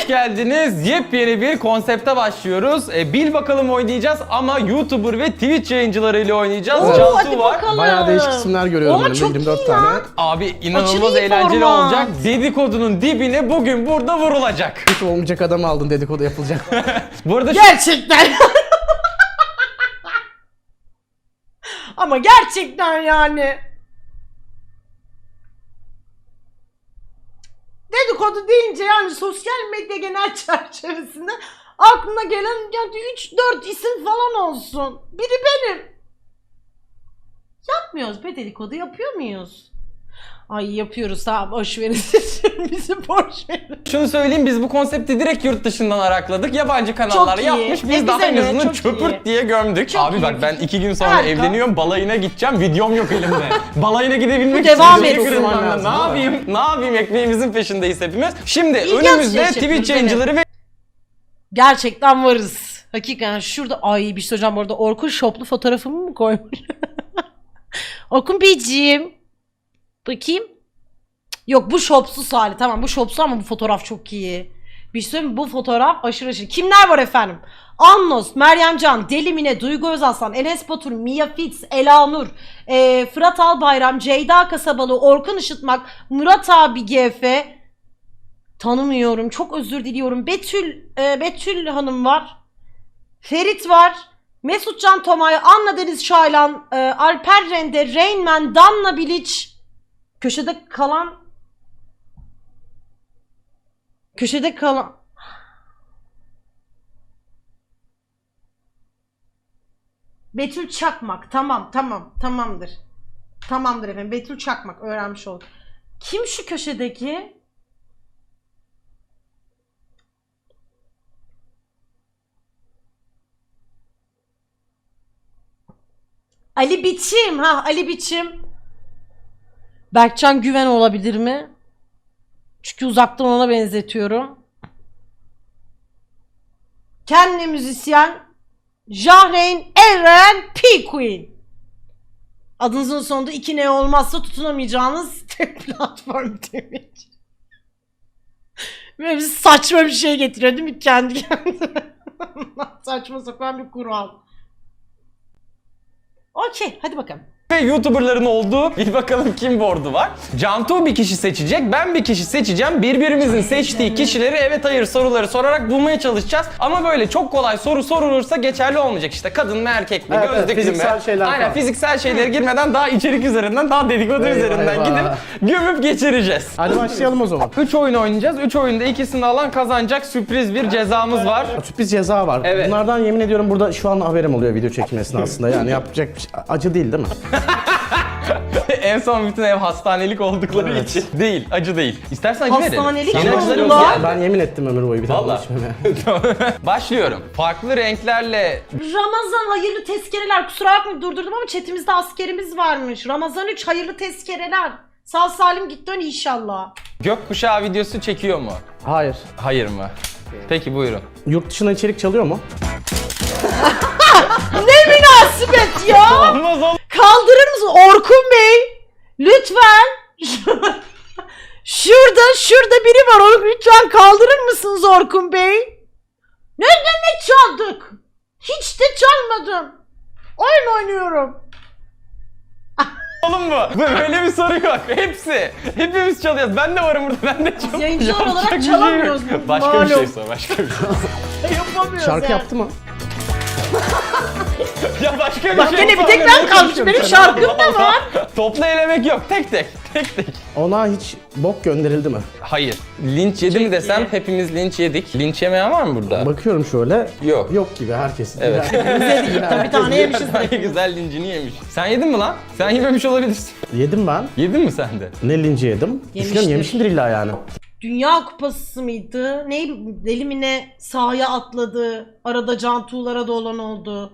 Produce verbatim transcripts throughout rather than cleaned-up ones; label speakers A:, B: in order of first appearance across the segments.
A: geldiniz. Yepyeni bir konsepte başlıyoruz. E, bil bakalım oynayacağız ama YouTuber ve Twitch yayıncılarıyla oynayacağız.
B: Oo,
A: Cantu
B: hadi
A: var.
B: bakalım.
C: Bayağı değişik isimler görüyorum
B: Oha,
C: önümde,
B: çok
C: yirmi dört
B: iyi
C: tane.
B: ya.
A: Abi inanılmaz
B: Aşırı iyi
A: eğlenceli
B: format.
A: olacak. Dedikodunun dibine bugün burada vurulacak.
C: Hiç olmayacak adamı aldın, dedikodu yapılacak.
A: Bu arada şu-
B: Gerçekten. Ama gerçekten yani. Dedikodu deyince yani sosyal medya genel çerçevesinde aklına gelen yani üç dört isim falan olsun. Biri benim. Yapmıyoruz be, dedikodu yapıyor muyuz? Ay yapıyoruz, tamam boş verin. Bizi boş verin.
A: şunu söyleyeyim, biz bu konsepti direkt yurt dışından arakladık. Yabancı kanallar
B: Çok iyi.
A: yapmış. Biz
B: E,
A: daha
B: bize
A: en
B: ne?
A: azından
B: Çok
A: çöpürt
B: iyi.
A: diye gömdük.
B: Çok
A: Abi
B: iyi.
A: bak ben iki gün sonra
B: Harika.
A: evleniyorum. Balayına gideceğim. Videom yok elimde. Balayına gidebilmek
B: Devam
A: için.
B: etsin.
A: Ne
C: Lazım,
A: yapayım? Ne yapayım? Ekmeğimizin peşindeyiz hepimiz. Şimdi
B: İlginç
A: önümüzde
B: yaşadınız,
A: Twitch
B: evet.
A: yayıncıları ve
B: Gerçekten varız. Hakikaten şurada, ay bir şey söyleyeceğim bu arada, Orkun şoplu fotoğrafımı mı koymuş? Orkun Beyciğim. Bakayım. Yok, bu şopsuz hali. Tamam, bu şopsuz ama bu fotoğraf çok iyi. Bir şey söyleyeyim mi? Bu fotoğraf aşırı aşırı. Kimler var efendim? Annos, Meryem Can, Deli Mine, Duygu Özaslan, Enes Batur, Mia Fitz, Elanur, e, Fırat Albayram, Ceyda Kasabalı, Orkun Işıtmak, Murat abi G F. Tanımıyorum. Çok özür diliyorum. Betül e, Betül Hanım var. Ferit var. Mesut Can Tomay, Anna Deniz Şaylan, e, Alper Rende, Rainman, Danla Bilic. Köşede kalan Köşede kalan Betül Çakmak. Tamam, tamam, tamamdır. Tamamdır efendim. Betül Çakmak, öğrenmiş olduk. Kim şu köşedeki? Ali Biçim. Ha, Ali Biçim. Berkcan Güven olabilir mi? Çünkü uzaktan ona benzetiyorum. Kendi müzisyen Jahreyn Eren P. Queen. Adınızın sonunda iki ne olmazsa tutunamayacağınız tek platform demiş. Böyle bir saçma bir şey getiriyor değil mi kendi kendine? Saçma sapan bir kural. Okey, hadi bakalım.
A: ve YouTuber'ların olduğu bir bakalım kim board'u var. Cantu bir kişi seçecek, ben bir kişi seçeceğim. Birbirimizin seçtiği kişileri evet hayır soruları sorarak bulmaya çalışacağız. Ama böyle çok kolay soru sorulursa geçerli olmayacak. İşte kadın mı erkek mi,
C: Evet, evet,
A: gözlüklü mü?
C: fiziksel şeyler
A: Aynen,
C: falan.
A: fiziksel şeylere girmeden daha içerik üzerinden, daha dedikodu
C: Eyvah,
A: üzerinden
C: eyvah.
A: gidip gömüp geçireceğiz.
C: Hadi başlayalım o zaman.
A: üç oyun oynayacağız. üç oyunda ikisini alan kazanacak, sürpriz bir cezamız var.
C: Sürpriz ceza var.
A: Evet.
C: Bunlardan yemin ediyorum burada şu an haberim oluyor video çekim esnasında. Yani yapacak bir şey. Acı değil değil mi?
A: En son bütün ev hastanelik oldukları
C: Evet.
A: için. Değil, acı değil. İstersen acı verelim.
B: Hastanelik
A: Yeni
B: mi
A: acıları
B: oldular?
A: yok ya.
C: Ben yemin ettim ömür boyu bir tane
A: Vallahi.
C: içmeme.
A: Başlıyorum. Farklı renklerle
B: Ramazan hayırlı tezkereler. Kusura bakmayın durdurdum ama chatimizde askerimiz varmış. Ramazan üç hayırlı tezkereler. Sağ salim git dön inşallah.
A: gökkuşağı videosu çekiyor mu?
C: Hayır.
A: Hayır mı? Peki buyurun.
C: Yurt dışına içerik çalıyor mu?
B: Ne münasebet ya.
A: Olmaz oğlum.
B: Kaldırır mısın Orkun Bey? Lütfen. Şurada şurada biri var. Onu lütfen kaldırır mısınız Orkun Bey? Ne demek çaldık? Hiç de çalmadım. Oyun oynuyorum.
A: Oğlum bu. Böyle bir soru yok. Hepsi. Hepimiz çalıyoruz. Ben de varım burada. Ben de çalıyorum.
B: Yayıncılar
A: Yapacak
B: olarak
A: bir şey yok.
B: çalamıyoruz.
A: Başka bir
B: Malum.
A: şey sor. Başka bir şey.
B: Yapamıyoruz
C: Şarkı
B: yani.
C: yaptı mı?
A: Ya başka bir
B: Bak
A: şey
B: gene bir
A: sor.
B: tek
A: Ne
B: ben kalmışım.
A: konuşuyorsun
B: Benim
A: sen?
B: şarkım da
A: Allah
B: var.
A: Allah. Toplu elemek yok. Tek tek. Tek tek.
C: Ona hiç bok gönderildi mi?
A: Hayır. Linç yedi mi desem hepimiz linç yedik. Linç yemeyen var mı burada?
C: Bakıyorum şöyle.
A: Yok.
C: Yok gibi herkes.
A: Evet.
B: Tabii bir tane yemişiz.
A: Ay, güzel lincini yemiş. Sen yedin mi lan? Sen yememiş olabilirsin.
C: Yedim ben.
A: Yedin mi sen de?
C: Ne linci yedim? Düşünüyorum yemişimdir illa yani.
B: Dünya Kupası mıydı? Ne deli mi ne sahaya atladı. Arada Cantu'lara da olan oldu.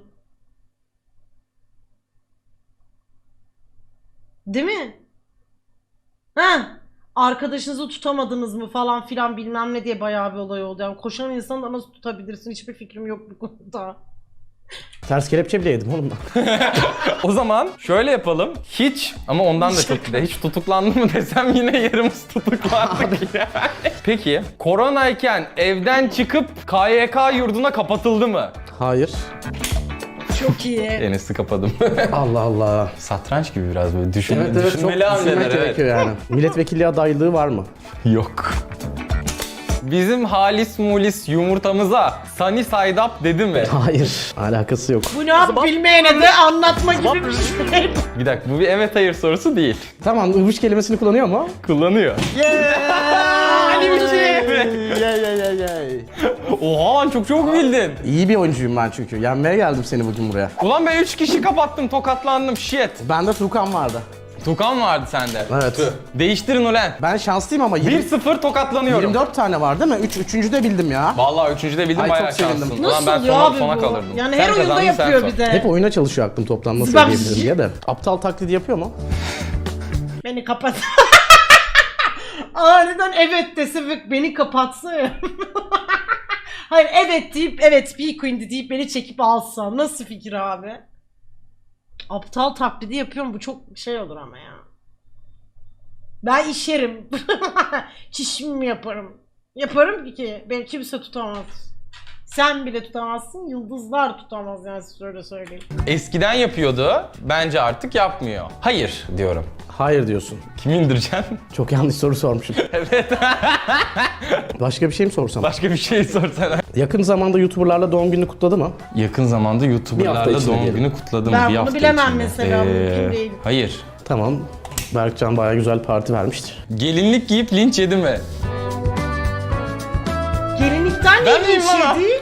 B: Değil mi? Ha? Arkadaşınızı tutamadınız mı falan filan bilmem ne diye bayağı bir olay oldu. Yani koşan insanı da nasıl tutabilirsin? Hiçbir fikrim yok bu konuda.
C: Ters kelepçe bile yedim oğlum ben.
A: O zaman şöyle yapalım. Hiç ama ondan da çok bile hiç tutuklandı mı desem yine yarımız tutuklandık yani. Peki koronayken evden çıkıp K Y K yurduna kapatıldı mı?
C: Hayır.
B: Çok iyi.
A: Enes'i kapadım.
C: Allah Allah.
A: Satranç gibi biraz böyle düşün,
C: Evet evet çok
A: düşünmeli hamleler.
C: düşünmek
A: Evet.
C: gerekiyor yani. Milletvekilliği adaylığı var mı?
A: Yok. Bizim halis mulis yumurtamıza Sunny Side Up dedi mi?
C: Hayır. Alakası yok.
B: Bu ne yap bilmeyene de anlatma gibi bir şey.
A: Bir dakika bu bir evet hayır sorusu değil.
C: Tamam ıvış kelimesini kullanıyor mu?
A: Kullanıyor.
B: Ali bir şey.
C: Yay yay yay yay.
A: Oha lan çok çok bildin.
C: İyi bir oyuncuyum ben çünkü. Yenmeye geldim seni bugün buraya.
A: Ulan ben üç kişi kapattım tokatlandım shit.
C: Bende Tukan vardı.
A: Tukan vardı sende.
C: Evet.
A: Tüh. Değiştirin ulan.
C: Ben şanslıyım ama yirmi
A: bir sıfır tokatlanıyorum.
C: yirmi dört tane var değil mi? üç, üçüncü de bildim ya.
A: Vallahi üçüncüde bildim
C: Ay,
A: bayağı
C: çok sevindim.
A: şanslısın.
B: Nasıl
A: Ulan ben
B: oluyor
A: sona,
B: abi
A: sona
B: bu?
A: kalırdım.
B: Yani
A: Sen
B: her oyunda
A: kazandın, sen
B: yapıyor
A: sor.
B: bir de.
C: Hep oyuna çalışıyor aklım toplam nasıl
B: Zıbap.
C: ödeyebilirim diye de. Aptal taklidi yapıyor mu?
B: Beni kapat. Aniden evet dese ve beni kapatsa ya. Hayır evet deyip evet bir queen'di deyip beni çekip alsa. Nasıl fikir abi? Aptal taklidi yapıyorum bu çok şey olur ama ya. Ben işerim. Çişimi yaparım. Yaparım ki beni kimse tutamaz. Sen bile tutamazsın, yıldızlar tutamaz yani size öyle söyleyeyim.
A: Eskiden yapıyordu. Bence artık yapmıyor. Hayır diyorum.
C: Hayır diyorsun.
A: Kimi indireceksin?
C: Çok yanlış soru sormuşum.
A: Evet.
C: Başka bir şey mi sorsam?
A: Başka bir şey sorsana.
C: Yakın zamanda YouTuber'larla doğum gününü kutladı mı?
A: Yakın zamanda
C: Bir
A: YouTuber'larla
C: hafta içinde
A: doğum
C: diyelim.
A: günü kutladım.
B: Ben
A: bir
B: bunu
A: hafta
B: bilemem
A: içinde.
B: mesela, mümkün değil.
A: Hayır.
C: Tamam. Berkcan bayağı güzel parti vermiştir.
A: Gelinlik giyip linç yedi mi?
B: Gelinlikten
A: Ben
B: ne
A: miyim bana?
B: şeydi?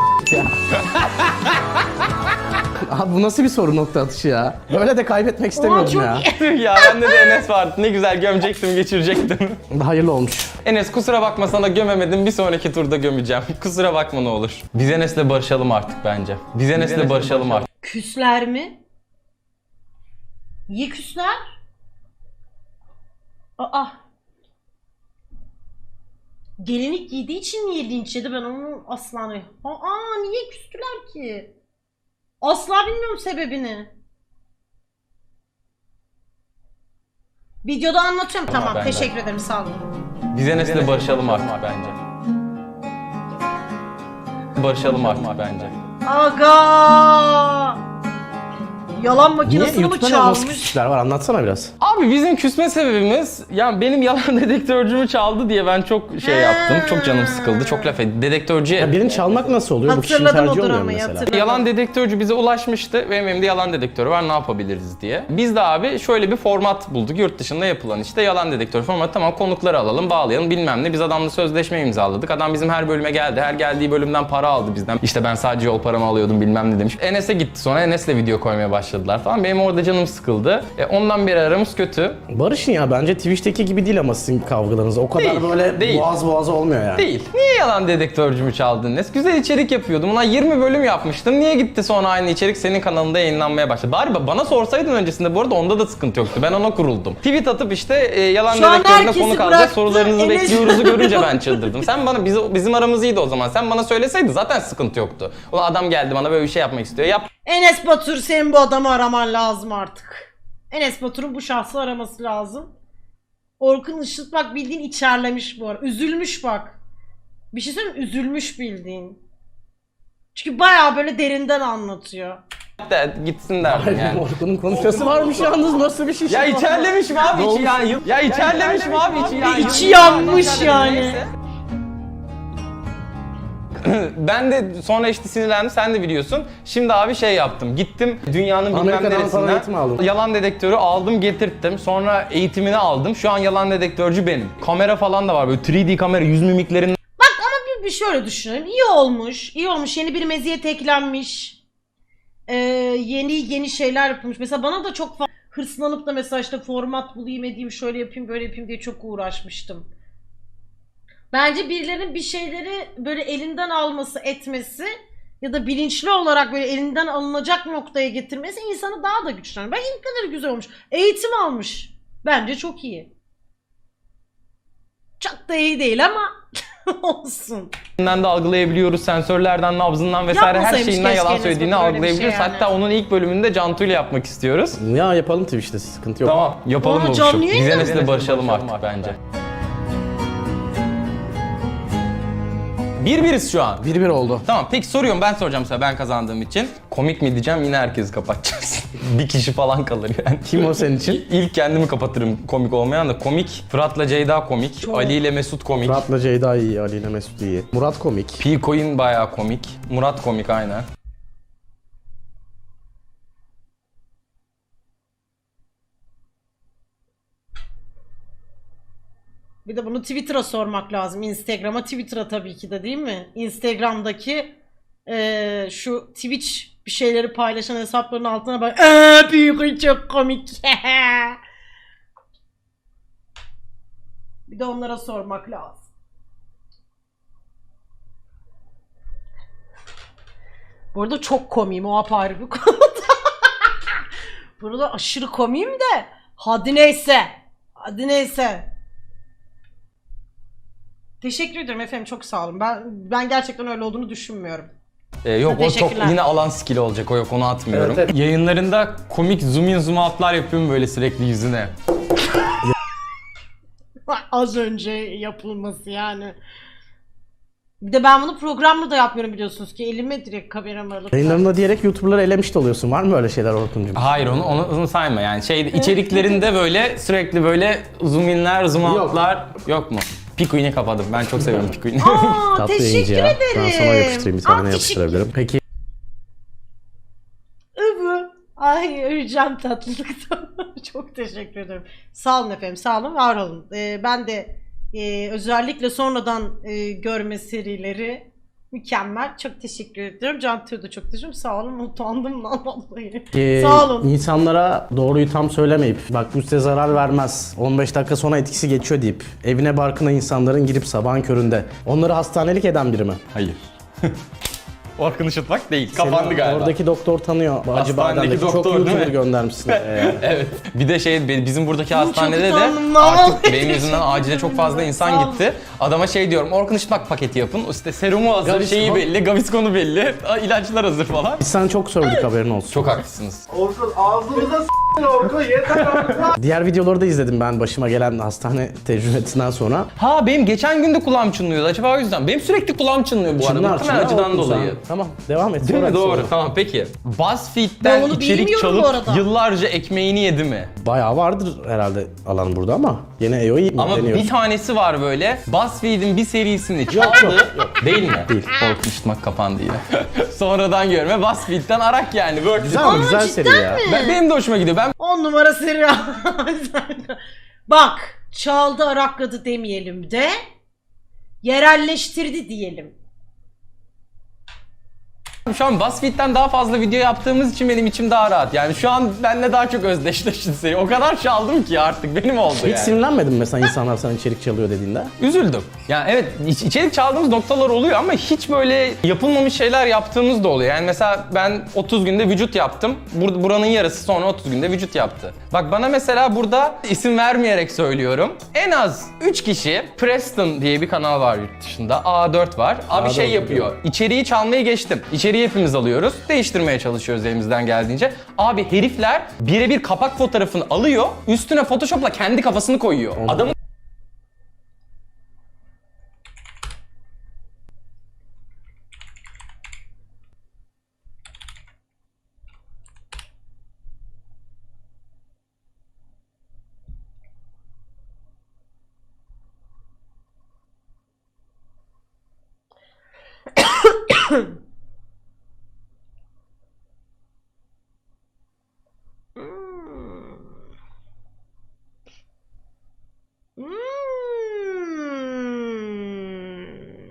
C: Abi bu nasıl bir soru nokta atışı ya? Böyle de kaybetmek istemiyordum
B: çok
C: ya.
A: Tüh ya bende de Enes vardı. Ne güzel gömecektim, geçirecektim.
C: Hayırlı olmuş.
A: Enes kusura bakma sana gömemedim. Bir sonraki turda gömeceğim. Kusura bakma ne olur. Biz Enes'le barışalım artık bence. Biz Enes'le barışalım artık.
B: Küsler mi? Niye küsler? Aa. Gelinlik giydiği için niye linç yedi ben onu asla... Aa niye küstüler ki? Asla bilmiyorum sebebini. Videoda anlatıyorum.
A: Tamam,
B: Tamam,
A: ben de.
B: teşekkür ederim sağ olun.
A: Biz Enes'le barışalım artık bence. Barışalım artık bence.
B: Aga! Yalan
C: Niye?
B: makinesini mi
C: YouTube'da nasıl
B: çalmış?
C: küsüşler var? Anlatsana biraz.
A: Abi bizim küsme sebebimiz yani benim yalan dedektörcümü çaldı diye ben çok şey yaptım. Çok canım sıkıldı. Çok laf ettim. Dedektörcüye...
C: Ya birini çalmak nasıl oluyor? Bu kişinin
B: Hatırladım
C: tercihi
B: o
C: olmuyor
B: dramayı,
C: mesela.
B: hatırladım.
A: Yalan dedektörcü bize ulaşmıştı. Benim elimde yalan dedektörü var ne yapabiliriz diye. Biz de abi şöyle bir format bulduk. Yurt dışında yapılan işte yalan dedektör formatı. Tamam konukları alalım bağlayalım bilmem ne. Biz adamla sözleşme imzaladık. Adam bizim her bölüme geldi. Her geldiği bölümden para aldı bizden. İşte ben sadece yol paramı alıyordum bilmem ne demiş. Enes'e gitti sonra Enes'le video koymaya başladılar falan. Benim orada canım sıkıldı. E, ondan beri aramız kötü.
C: Barış'ın ya bence Twitch'teki gibi değil ama sizin kavgalarınız. O kadar
A: Değil,
C: böyle
A: değil.
C: boğaz boğaza olmuyor yani.
A: Değil. Niye yalan dedektörcümü çaldın Enes? Güzel içerik yapıyordum. Ulan yirmi bölüm yapmıştım. Niye gitti sonra aynı içerik senin kanalında yayınlanmaya başladı? Bari ba- bana sorsaydın öncesinde bu arada onda da sıkıntı yoktu. Ben ona kuruldum. Tweet atıp işte e, yalan
B: Şu an
A: dedektörüne
B: herkesi
A: konuk alacak
B: bıraktı.
A: sorularınızı
B: Enes-
A: bekliyoruzu görünce ben çıldırdım. Sen bana biz, bizim aramız iyiydi o zaman. Sen bana söyleseydin zaten sıkıntı yoktu. Ulan adam geldi bana böyle bir şey yapmak istiyor. Yap.
B: Enes Batur senin bu adamı araman lazım artık. Enes Batur'un bu şahsı araması lazım. Orkun Işıt bak bildiğin içerlemiş bu ara. Üzülmüş bak. Bir şey söyleyeyim mi? Üzülmüş bildiğin. Çünkü bayağı böyle derinden anlatıyor.
A: De, gitsin derdim yani.
C: Orkun'un konuşması varmış yalnız nasıl bir şey?
A: Ya içerlemiş mi abi içi yani? Ya içerlemiş mi abi içi yani?
B: İçi yanmış yani.
A: Neyse. Ben de sonra işte sinirlendim sen de biliyorsun. Şimdi abi şey yaptım. Gittim dünyanın bilmem
C: Amerika'dan falan eğitim
A: neresinden
C: aldın.
A: yalan dedektörü aldım getirttim. Sonra eğitimini aldım. Şu an yalan dedektörcü benim. Kamera falan da var böyle üç D kamera yüz mimiklerin
B: Bak ama bir, bir şöyle düşünelim. İyi olmuş. İyi olmuş. Yeni bir meziyet eklenmiş. Ee, yeni yeni şeyler yapılmış. Mesela bana da çok fa- hırslanıp da mesela işte format bulayım edeyim şöyle yapayım böyle yapayım diye çok uğraşmıştım. Bence birilerinin bir şeyleri böyle elinden alması, etmesi ya da bilinçli olarak böyle elinden alınacak noktaya getirmesi insanı daha da güçlendiriyor. Ben ilk kadar güzel olmuş. Eğitim almış. Bence çok iyi. Çok da iyi değil ama Olsun.
A: de algılayabiliyoruz. Sensörlerden, nabzından vesaire her
B: Yapmasaymış
A: şeyinden yalan
B: keşke Enes
A: söylediğini
B: Batur öyle bir şey
A: algılayabiliyoruz.
B: yani.
A: Hatta onun ilk bölümünde Cantu ile yapmak istiyoruz.
C: Ya yapalım Twitch'te, sıkıntı yok.
A: Tamam, yapalım
B: Aa,
A: bu
B: canlı
A: işi.
B: yayın
A: Biz
B: mı?
A: Enes'le barışalım artık bence. Bir biriz şu an.
C: bir bir oldu.
A: Tamam, peki soruyorum, ben soracağım size, ben kazandığım için. Komik mi diyeceğim, yine herkesi kapatacağız. Bir kişi falan kalır yani.
C: Kim o senin için?
A: İlk kendimi kapatırım komik olmayan da. Komik, Fırat'la Ceyda komik,
B: Çok.
A: Ali ile Mesut komik.
C: Murat'la Ceyda iyi, Ali ile Mesut iyi. Murat komik.
A: P-Coin bayağı komik. Murat komik aynen.
B: Bir de bunu Twitter'a sormak lazım. Instagram'a, Twitter'a tabii ki de, değil mi? Instagram'daki eee, şu Twitch bir şeyleri paylaşan hesapların altına bak. Eee büyük çok komik. Bir de onlara sormak lazım. Bu arada çok komiyim, o apayrı bir konu. Burada aşırı komiyim de hadi neyse. Hadi neyse. Teşekkür ederim efendim, çok sağ olun. Ben ben gerçekten öyle olduğunu düşünmüyorum.
A: Ee, yok o çok
B: Teşekkürler.
A: yine alan skill olacak, o yok, onu atmıyorum.
C: Evet, evet.
A: Yayınlarında komik zoom in zoom out'lar yapıyorum böyle sürekli yüzüne.
B: Az önce yapılması yani. Bir de ben bunu programla da yapmıyorum biliyorsunuz ki, elime direkt kameramı alıp.
C: Yayınlarında diyerek YouTuber'ları elemiş de oluyorsun. Var mı öyle şeyler Orkun'cum?
A: Hayır, onu, onu, onu sayma yani, şey içeriklerinde böyle sürekli böyle zoom inler zoom
C: Yok.
A: out'lar yok mu? P-Coin'i kapadım, ben çok seviyorum P-Coin'i.
B: Aa,
C: Tatlı
B: teşekkür
C: yayıncı ya.
B: ederim.
C: Ben sana yapıştırayım, bir tane
B: Aa,
C: yapıştırabilirim. Peki
B: Övü. Ay öleceğim tatlılıktan. Çok teşekkür ederim. Sağ olun efendim, sağ olun, var olun. Ee, ben de e, özellikle sonradan e, görme serileri mükemmel. Çok teşekkür ediyorum. Cantu'ya da çok teşekkür ederim. Sağ olun, utandım lan vallahi.
C: Ee,
B: Sağ olun.
C: insanlara doğruyu tam söylemeyip bak bu size zarar vermez, on beş dakika sonra etkisi geçiyor deyip evine barkına insanların girip sabahın köründe onları hastanelik eden biri mi?
A: Hayır. Orkun Işıtmak değil, kapandı
C: Seni
A: galiba.
C: Oradaki doktor tanıyor. Acı
A: Hastanedeki
C: bademdeki çok
A: doktor, değil
C: YouTuber
A: mi?
C: göndermişsin. Ee,
A: Evet. Bir de şey bizim buradaki hastanede de
B: utandım lan.
A: artık benim yüzümden acile çok fazla insan gitti. Adama şey diyorum, Orkun Işıtmak paketi yapın. İşte serumu hazır,
C: Gaviscon.
A: şeyi belli, Gaviscon'u belli, ilaçlar hazır falan.
C: biz sana çok sövdük, haberin olsun.
A: Çok haklısınız.
D: Orkun ağzımıza s**tin Orkun yeter artık.
C: Diğer videoları da izledim ben başıma gelen hastane tecrübesinden sonra.
A: Ha benim geçen gün de kulağım çınlıyordu, acaba o yüzden. Benim sürekli kulağım çınlıyor bu arada.
C: Çınlar,
A: Muhtemelen
C: çınlar
A: acıdan
C: Orkun sen.
A: dolayı.
C: Tamam, devam et.
A: Değil
C: Sonra
A: mi? Doğru.
C: sonra.
A: Tamam peki.
B: Ben
A: BuzzFeed'den
B: onu
A: içerik
B: bilmiyorum bu
A: çalıp
B: arada.
A: yıllarca ekmeğini yedi mi?
C: Bayağı vardır herhalde alan burada ama yine E O iyi
A: Ama
C: deniyor.
A: bir tanesi var böyle. BuzzFeed'in bir serisini çaldı. Değil mi?
C: Değil.
A: Orkun Işıtmak kapandı yine. Sonradan görme. BuzzFeed'den arak yani. Work
C: Güzel ama güzel seri ya.
A: Ben, benim de hoşuma gidiyor. Ben
B: On numara seri. Bak, çaldı arakladı demeyelim de yerelleştirdi diyelim.
A: şu an BuzzFeed'den daha fazla video yaptığımız için benim içim daha rahat. Yani şu an benimle daha çok özdeşleşti seri. O kadar çaldım ki artık benim oldu
C: Hiç
A: yani.
C: sinirlenmedin mi mesela insanlar sana içerik çalıyor dediğinde?
A: Üzüldüm. Yani evet iç- içerik çaldığımız noktalar oluyor ama hiç böyle yapılmamış şeyler yaptığımız da oluyor. Yani mesela ben otuz günde vücut yaptım. Bur- buranın yarısı sonra otuz günde vücut yaptı. Bak bana mesela burada isim vermeyerek söylüyorum. En az üç kişi, Preston diye bir kanal var yurt dışında. A dört var. Abi
C: A
A: şey
C: dört
A: yapıyor. İçeriği çalmayı geçtim. İçeriği hepimiz alıyoruz. Değiştirmeye çalışıyoruz elimizden geldiğince. Abi herifler birebir kapak fotoğrafını alıyor. Üstüne Photoshop'la kendi kafasını koyuyor. Adamın
B: Hmm.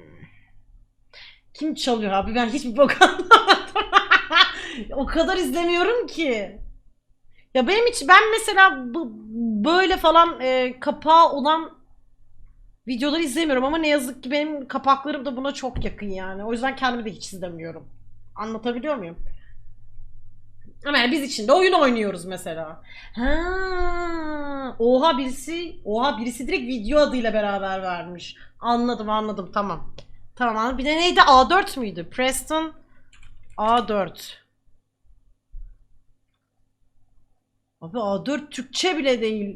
B: Kim çalıyor abi? Ben hiçbir bok anlamadım. O kadar izlemiyorum ki. Ya benim hiç, ben mesela bu, böyle falan e, kapağı olan videoları izlemiyorum ama ne yazık ki benim kapaklarım da buna çok yakın yani. O yüzden kendimi de hiç izlemiyorum. Anlatabiliyor muyum? Ama yani biz içinde oyun oynuyoruz mesela. Ha, oha birisi, oha birisi direkt video adıyla beraber vermiş. Anladım, anladım. Tamam. Tamam, anladım. Bir de neydi? A dört müydü? Preston A dört. Abi A dört Türkçe bile değil.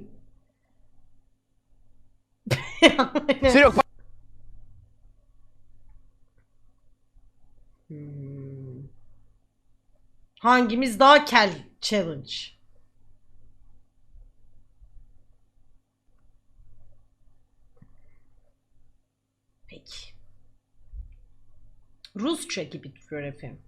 B: Hmm. Hangimiz daha kel challenge? Peki. Rusça gibi duruyor efendim.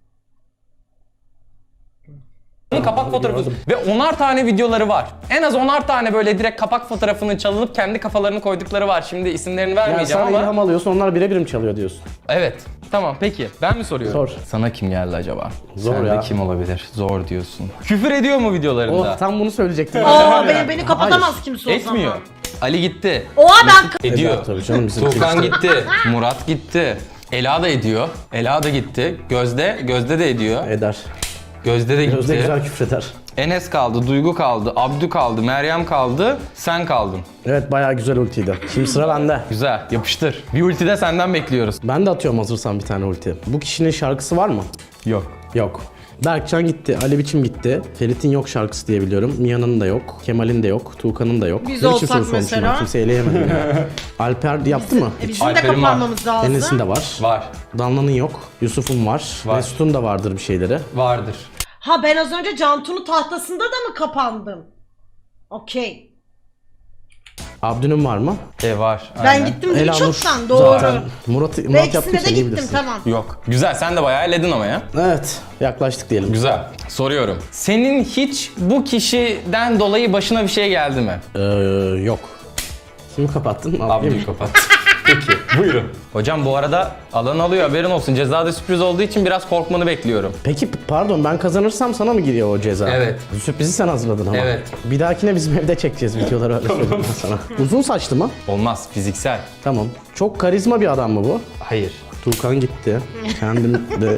A: kapak fotoğrafı ve onar tane videoları var. En az onar tane böyle direkt kapak fotoğrafını çalınıp kendi kafalarını koydukları var. Şimdi isimlerini
C: Yani
A: vermeyeceğim
C: sen
A: ama.
C: ilham alıyorsun, onlar birebir mi çalıyor diyorsun?
A: Evet. Tamam peki. Ben mi soruyorum?
C: Sor.
A: Sana kim geldi acaba?
C: Zor
A: Sende
C: ya.
A: kim olabilir? Zor diyorsun. Küfür ediyor mu videolarında?
C: Oh, tam bunu söyleyecektim.
B: Aa beni, beni kapatamaz
C: Hayır.
B: kimse o
A: Etmiyor.
B: zaman.
A: Ali gitti.
B: Oha ben
A: Ediyor.
C: Eder tabii canım, bizim
A: Tuğkan
C: kimse.
A: gitti. Murat gitti. Ela da ediyor. Ela da gitti. Gözde, Gözde de ediyor.
C: Eder.
A: Gözde de gitti.
C: Gözde güzel küfreder.
A: Enes kaldı, Duygu kaldı, Abdü kaldı, Meryem kaldı, sen kaldın.
C: Evet, bayağı güzel ultiydi. Şimdi sıra bende.
A: Güzel, yapıştır. Bir ulti de senden bekliyoruz.
C: Ben de atıyorum hazırsan bir tane ulti. Bu kişinin şarkısı var mı?
A: Yok.
C: Yok. Berkcan gitti, Ali Biçim gitti. Ferit'in yok şarkısı diye biliyorum. Mia'nın da yok, Kemal'in de yok, Tuğkan'ın da yok.
B: Biz
C: Ne biçim
B: olsak
C: soru sormuşum
B: mesela?
C: ben? Kimse eleyemedi beni. Alper yaptı mı?
B: E bizim de
A: Alper'in var.
B: kapanmamız lazım.
C: Enes'in de var.
A: Var.
C: Danla'nın yok. Yusuf'un var.
A: Var.
C: Mesut'un da vardır bir şeyleri.
A: Vardır.
B: Ha ben az önce Cantu'nun tahtasında da mı kapandım? Okey.
C: Abdü'nün var mı?
A: E var.
B: Ben
A: aynen.
B: gittim değil
C: Elanur
B: çoktan doğru.
C: zaten. Murat,
B: Ve
C: Murat yaptı,
B: ikisine de
C: sen iyi
B: gittim
C: bilirsin.
B: tamam.
A: Yok. Güzel, sen de bayağı elledin ama ya.
C: Evet, yaklaştık diyelim.
A: Güzel. Soruyorum. Senin hiç bu kişiden dolayı başına bir şey geldi mi?
C: Ee, yok. Kimi kapattın? Al,
A: Abdü'yü kapat. Peki, buyurun. Hocam bu arada alan alıyor, haberin olsun. Cezada sürpriz olduğu için biraz korkmanı bekliyorum.
C: Peki pardon, ben kazanırsam sana mı giriyor o ceza?
A: Evet.
C: Sürprizi sen hazırladın ama.
A: Evet.
C: Bir dahakine bizim evde çekeceğiz videoları, öyle söyleyeyim ben sana. Uzun saçlı mı?
A: Olmaz, fiziksel.
C: Tamam. Çok karizma bir adam mı bu?
A: Hayır.
C: Tuğkan gitti. Kendim de...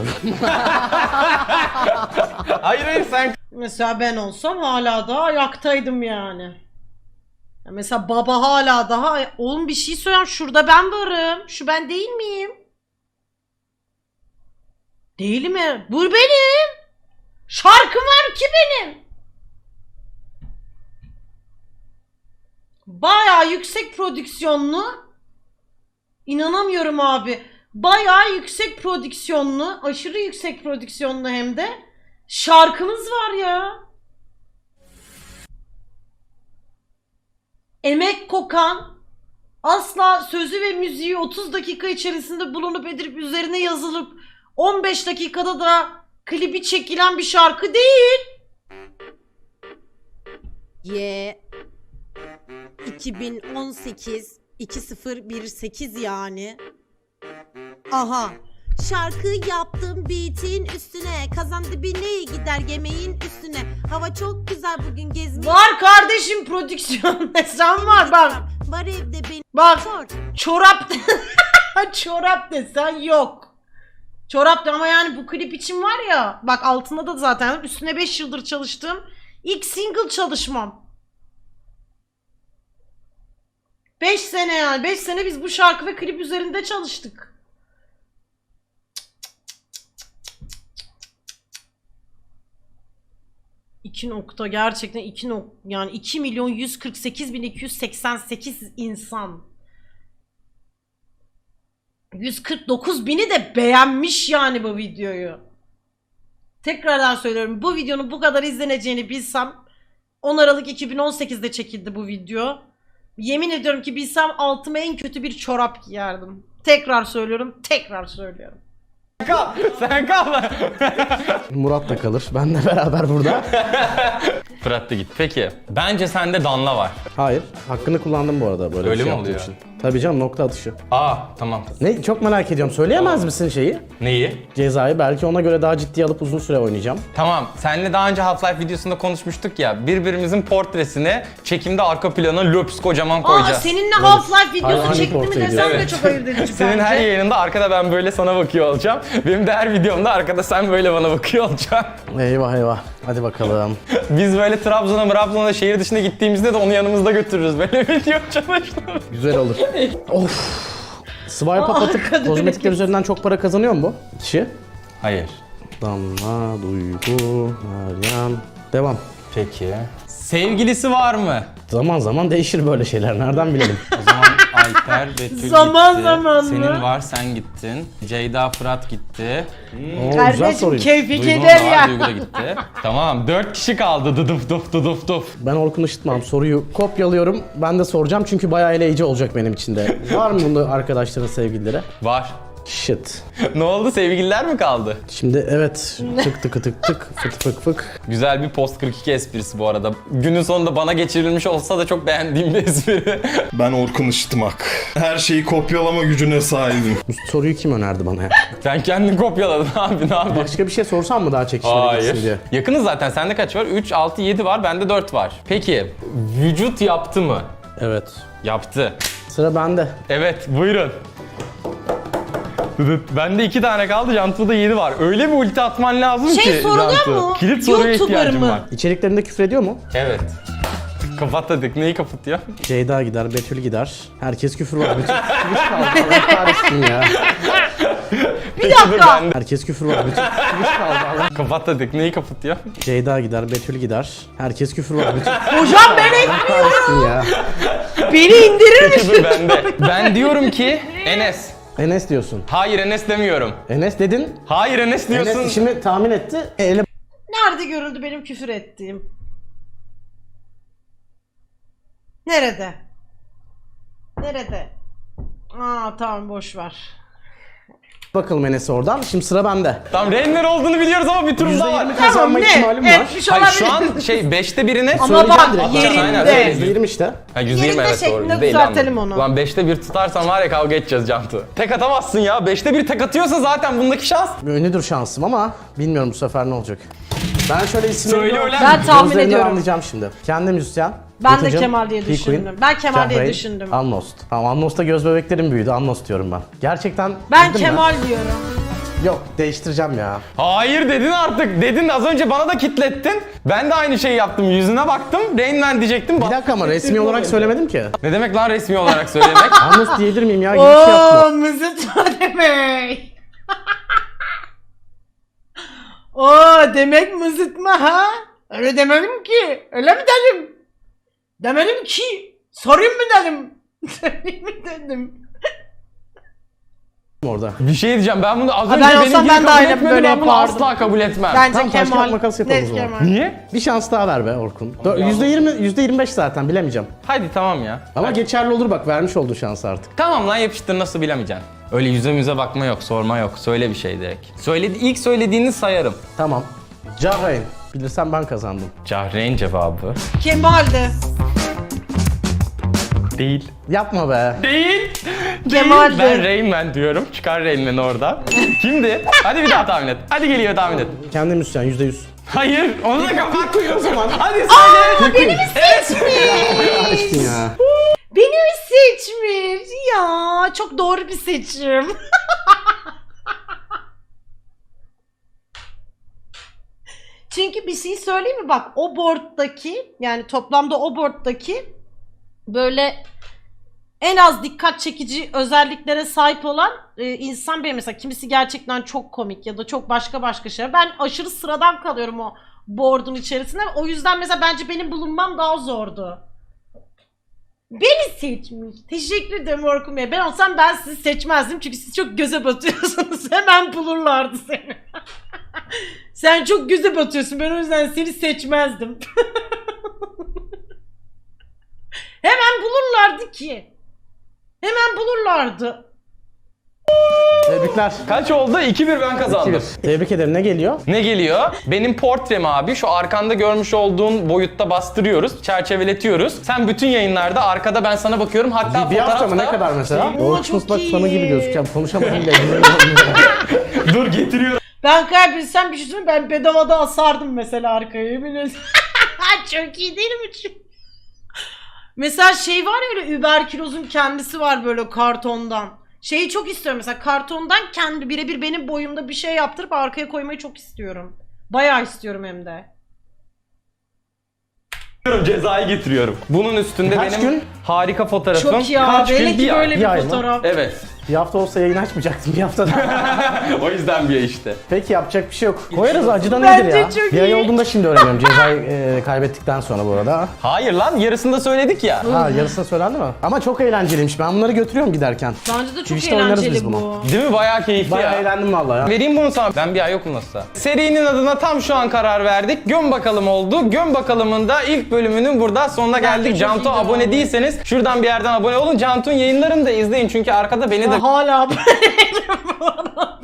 A: Hayır hayır sen...
B: Mesela ben olsam hala daha ayaktaydım yani. Ya mesela baba hala daha... Oğlum bir şey söyleyeyim, şurada ben varım. Şu ben değil miyim? Değil mi? Bu benim. Şarkım var ki benim. Bayağı yüksek prodüksiyonlu. İnanamıyorum abi. Bayağı yüksek prodüksiyonlu, aşırı yüksek prodüksiyonlu hem de şarkımız var ya. Emek kokan, asla sözü ve müziği otuz dakika içerisinde bulunup edilip üzerine yazılıp on beş dakikada da klibi çekilen bir şarkı değil.
E: Ye iki bin on sekiz iki sıfır bir sekiz yani. Aha. Şarkı yaptım beat'in üstüne. Kazan dibine gider yemeğin üstüne. Hava çok güzel bugün gezmeye.
B: Var kardeşim prodüksiyon desen var bak.
E: Var evde benim.
B: Bak
E: Sor.
B: çorap çorap desen yok. Çorap da ama yani bu klip için var ya. Bak altında da zaten üstüne beş yıldır çalıştım. İlk single çalışmam. beş sene yani. beş sene biz bu şarkı ve klip üzerinde çalıştık. iki nokta gerçekten iki nokta yani iki milyon yüz kırk sekiz bin iki yüz seksen sekiz insan. yüz kırk dokuz bini de beğenmiş yani bu videoyu. Tekrardan söylüyorum, bu videonun bu kadar izleneceğini bilsem, on Aralık iki bin on sekizde çekildi bu video. Yemin ediyorum ki bilsem altıma en kötü bir çorap giyerdim. Tekrar söylüyorum, tekrar söylüyorum.
A: Kal, sen kal.
C: Murat da kalır. Benle beraber burada.
A: Fırat da git. Peki, bence sende Danla var.
C: Hayır. Hakkını kullandım bu arada böyle
A: Öyle
C: bir şey
A: mi
C: yaptığım
A: oluyor?
C: için. Tabii canım, nokta atışı.
A: Aa, tamam.
C: Ne? Çok merak ediyorum. Söyleyemez misin şeyi?
A: Neyi?
C: Cezayı. Belki ona göre daha ciddiye alıp uzun süre oynayacağım.
A: Tamam, seninle daha önce Half-Life videosunda konuşmuştuk ya, birbirimizin portresini çekimde arka plana löps kocaman
B: Aa
A: koyacağız.
B: seninle Half-Life videosu
C: Hayvani
B: çekti mi
C: portre
B: desem
C: ediyor.
B: de
A: Evet.
B: çok ayırt edici
A: Senin
B: bence.
A: her yayınında arkada ben böyle sana bakıyor olacağım. Benim de her videomda arkada sen böyle bana bakıyor olacaksın.
C: Eyvah eyvah. Hadi bakalım.
A: Biz böyle Trabzon'a, Trabzon'a şehir dışına gittiğimizde de onu yanımızda götürürüz. Böyle video çalıştım.
C: Güzel olur. Of. Swipe up atıp
B: arkada
C: kozmetikler üzerinden çok para kazanıyor mu bu kişi?
A: Hayır.
C: Damla, Duygu, Meryem. Devam.
A: Peki. Sevgilisi var mı?
C: Zaman zaman değişir böyle şeyler. Nereden bilelim?
A: O zaman Alper, Betül
B: Zaman
A: gitti.
B: zaman mı?
A: Senin var, sen gittin. Ceyda, Fırat gitti.
C: Oo, güzel
B: Kardeşim
C: soruymuş.
B: keyfi
A: Duygu'nun
B: keder
A: da var,
B: ya.
A: Duygu da gitti. Tamam, dört kişi kaldı. Dıdıf duf duduf duf.
C: Ben Orkun Işıtmam. Soruyu kopyalıyorum. Ben de soracağım çünkü bayağı eleyici olacak benim için de. Var mı bunda arkadaşların sevgilileri?
A: Var.
C: Shit.
A: Ne oldu? Sevgililer mi kaldı?
C: Şimdi evet. Tık tık tık tık fık fık fık.
A: Güzel bir post kırk iki esprisi bu arada. Günün sonunda bana geçirilmiş olsa da çok beğendiğim bir espri.
D: Ben Orkun Işıtmak. Her şeyi kopyalama gücüne sahibim.
C: Bu soruyu kim önerdi bana ya?
A: Sen kendin kopyaladın abi, ne yapıyorsun?
C: Başka bir şey sorsam mı daha çekişmeli gitsin diye?
A: Hayır. Yakınız zaten. Sende kaç var? üç, altı, yedi var. Bende dört var. Peki, vücut yaptı mı?
C: Evet.
A: Yaptı.
C: Sıra bende.
A: Evet, buyurun. Dıdıt. Bende iki tane kaldı, Cantu'da yedi var. Öyle bir ulti atman lazım
B: Şey
A: ki
B: soruluyor
A: Cantu.
B: mu?
A: Kilit soruya
B: YouTuber
A: ihtiyacım
B: mı?
A: var.
C: İçeriklerinde küfür ediyor mu?
A: Evet. Kapattık. Neyi kapatıyor?
C: Ceyda gider, Betül gider. Herkes küfür var. Bütün küfür kaldı. Allah kahretsin ya.
B: Bir dakika.
C: Herkes küfür var. Bütün küfür kaldı. Allah.
A: Kapattık. Neyi kapatıyor?
C: Ceyda gider, Betül gider. Herkes küfür var. Bütün
B: Hocam ben et,
C: kahretsin ya.
B: beni indirir misin?
A: Dur bende. Ben diyorum ki Enes.
C: Enes diyorsun.
A: Hayır, Enes demiyorum.
C: Enes dedin.
A: Hayır, Enes diyorsun.
C: Enes şimdi tahmin etti. E, ele
B: Nerede görüldü benim küfür ettiğim? Nerede? Nerede? Aa tamam boş ver.
C: bakalım Enes'e oradan. Şimdi sıra bende.
A: Tamam, Renner olduğunu biliyoruz ama bir turumuz daha var.
C: yüzde yirmi kazanma
B: ne?
C: ihtimalim var.
B: Etmiş
A: Hayır,
B: olabilir.
A: şu an şey beşte birine
B: Ama
C: Söyleyeceğim
B: bak
C: direkt.
A: Atacağız, aynen,
B: yerinde.
A: söyle.
C: yüzde yirmi işte.
A: Ha, yüzde yirmi
B: Yerinde
A: evet doğru.
B: şeklinde
A: yüzde elli
B: düzeltelim
A: anladım.
B: onu.
A: Lan beşte bir tutarsan var ya kavga edeceğiz Cantu. Tek atamazsın ya. Beşte bir tek atıyorsa zaten bundaki şans.
C: Ünlüdür şansım ama bilmiyorum bu sefer ne olacak. Ben şöyle isimleri
A: Söyle
C: görüyorum.
A: ulan.
B: Ben tahmin
C: Gözlerinden
B: ediyorum.
C: anlayacağım şimdi. Kendi müzisyen.
B: Ben de
C: Batucuğum,
B: Kemal diye
C: P.
B: düşündüm.
C: Queen,
B: Ben Kemal diye
C: Cahreyn,
B: düşündüm.
C: Amnost. Tamam Amnost'ta göz bebeklerim büyüdü. Amnost diyorum ben. Gerçekten
B: Ben
C: bildin mi?
B: Kemal diyorum.
C: Yok değiştireceğim ya.
A: Hayır dedin artık. Dedin az önce bana da kitlettin. Ben de aynı şeyi yaptım. Yüzüne baktım. Rain Man diyecektim.
C: Bir
A: Bak-
C: dakika ama resmi olarak söylemedim ki.
A: Ne demek lan resmi olarak söylemek?
C: Amnost diyebilir miyim ya? Gibi bir şey yapma.
B: Ooo mızıtma demek. Oo demek mızıtma ha? Öyle demedim ki. Öyle mi dedim? Demedim ki. Sorayım mı dedim? Sorayım mı dedim?
C: Orada.
A: Bir şey diyeceğim. Ben bunu az
B: Ha,
A: önce
B: ben olsam
A: benimkini
B: ben de
A: kabul
B: aynen
A: etmedim.
B: böyle
A: Ben bunu
B: yapardım.
A: asla kabul etmem.
B: Bence
C: Tamam, taş
B: Kemal.
C: kağıt makas yapalım
B: Net
C: o zaman.
B: Kemal.
A: Niye?
C: Bir şans daha ver be Orkun. yüzde yirmi, yüzde yirmi beş zaten bilemeyeceğim.
A: Hadi tamam ya.
C: Ama geçerli olur bak vermiş olduğu şansı artık.
A: Tamam lan yapıştır, nasıl bilemeyeceksin. Öyle yüze müze bakma yok, sorma yok. Söyle bir şey direkt. Söyledi, ilk söylediğini sayarım.
C: Tamam. Cahreyn. Bilirsem ben kazandım.
A: Cahreyn cevabı.
B: Kemal'di.
A: Değil.
C: Yapma be.
A: Değil.
B: Kemal'di.
A: Değil. Ben Rain Man diyorum. Çıkar Rain Man'i oradan. Kimdi? Hadi bir daha tahmin et. Hadi geliyor tahmin et.
C: Kendi müzisyen yüzde yüz.
A: Hayır. Onu da kapat koy o zaman. Hadi söyle.
B: Beni mi seçmiş?
C: Açtın ya.
B: Beni mi seçmiş? Ya çok doğru bir seçim. Çünkü bir şey söyleyeyim mi? Bak o board'daki yani toplamda o board'daki böyle en az dikkat çekici özelliklere sahip olan e, insan benim. Mesela kimisi gerçekten çok komik ya da çok başka başka şeyler. Ben aşırı sıradan kalıyorum o board'un içerisinde. O yüzden mesela bence benim bulunmam daha zordu. Beni seçmiş. Teşekkür ederim Orkun Bey. Ben olsam ben sizi seçmezdim çünkü siz çok göze batıyorsunuz. Hemen bulurlardı seni. Sen çok göze batıyorsun. Ben o yüzden seni seçmezdim. Hemen bulurlardı ki. Hemen bulurlardı.
C: Tebrikler.
A: Kaç oldu? iki bir ben kazandım.
C: Tebrik ederim. Ne geliyor?
A: Ne geliyor? Benim portrem abi. Şu arkanda görmüş olduğun boyutta bastırıyoruz. Çerçeveletiyoruz. Sen bütün yayınlarda arkada ben sana bakıyorum. Hatta
C: Bir, bir hafta mı
A: fotoğrafta...
C: ne kadar mesela?
B: Oo,
C: Orkun
B: çok
C: Islak
B: iyi.
C: fanı gibi gözükeceğim. Konuşamadım bile.
A: Dur getiriyorum.
B: Ben kaybetsem bir şey söyleyeyim, ben bedavada asardım mesela arkaya, yemin ederim. Çok iyi değil mi? Mesela şey var ya, öyle überkülozun kendisi var böyle kartondan. Şeyi çok istiyorum mesela, kartondan kendi birebir benim boyumda bir şey yaptırıp arkaya koymayı çok istiyorum. Bayağı istiyorum hem de.
A: Cezayı getiriyorum. Bunun üstünde
C: Kaç
A: benim
C: gün?
A: harika fotoğrafım.
B: Çok ya,
A: Kaç gün?
B: hele ki
A: Bir ay.
B: böyle
C: bir
B: bir,
C: ay mı?
B: fotoğraf.
A: Evet.
C: Bir hafta olsa yayın açmayacaktım bir haftada.
A: O yüzden bir ay işte.
C: Peki yapacak bir şey yok. Koyarız acıdan
B: Bence
C: iyidir ya.
B: çok
C: Bir ay
B: iyi.
C: olduğunda şimdi öğreniyorum cezayı e, kaybettikten sonra bu arada.
A: Hayır lan, yarısında söyledik ya.
C: Ha yarısına söylendi mi? Ama çok eğlenceliymiş. Ben bunları götürüyorum giderken.
B: Bence de çok
C: Twitch'te oynarız biz
B: eğlenceli
C: bunu.
B: bu.
A: Değil mi? Bayağı keyifli
C: Bayağı
A: ya.
C: eğlendim vallahi ya.
A: Vereyim bunu sana. Ben bir ay yokum nasılsa. Serinin adına tam şu an karar verdik. Göm bakalım oldu. Göm bakalımın da ilk bölümünün burada sonuna geldik.
B: çok
A: Cantu
B: iyiydi
A: abone
B: abi.
A: değilseniz şuradan bir yerden abone olun. Cantu'nun yayınlarını da izleyin çünkü arkada beni de
B: Ya hala böyleyim bu arada.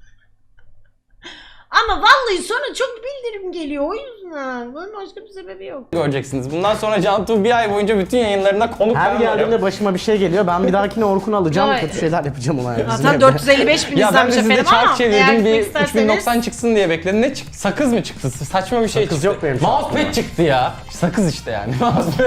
B: Ama vallahi sonra çok bildirim geliyor o yüzden. Bunun başka bir sebebi yok.
A: göreceksiniz. Bundan sonra Cantu bir ay boyunca bütün yayınlarında konuk
C: Her
A: ben
C: geldiğimde
A: varım.
C: başıma bir şey geliyor. Ben bir dahakine Orkun'u alacağım.
B: Vay.
C: Kötü şeyler yapacağım ona. yani bizim
B: Zaten
C: evde.
B: dört yüz elli beş bin
A: Ya ben de
B: izlenmiş
A: sizde
B: efendim ama
A: çark
B: eğer
A: çevirdim
B: gitmek
A: bir
B: isterseniz-
A: üç bin doksan çıksın diye bekledim. Ne çıktı? Sakız mı çıktı? Saçma bir şey
C: Sakız
A: çıktı.
C: yok benim şansımda.
A: Mousepad çıktı ya. Sakız işte yani. Mousepad.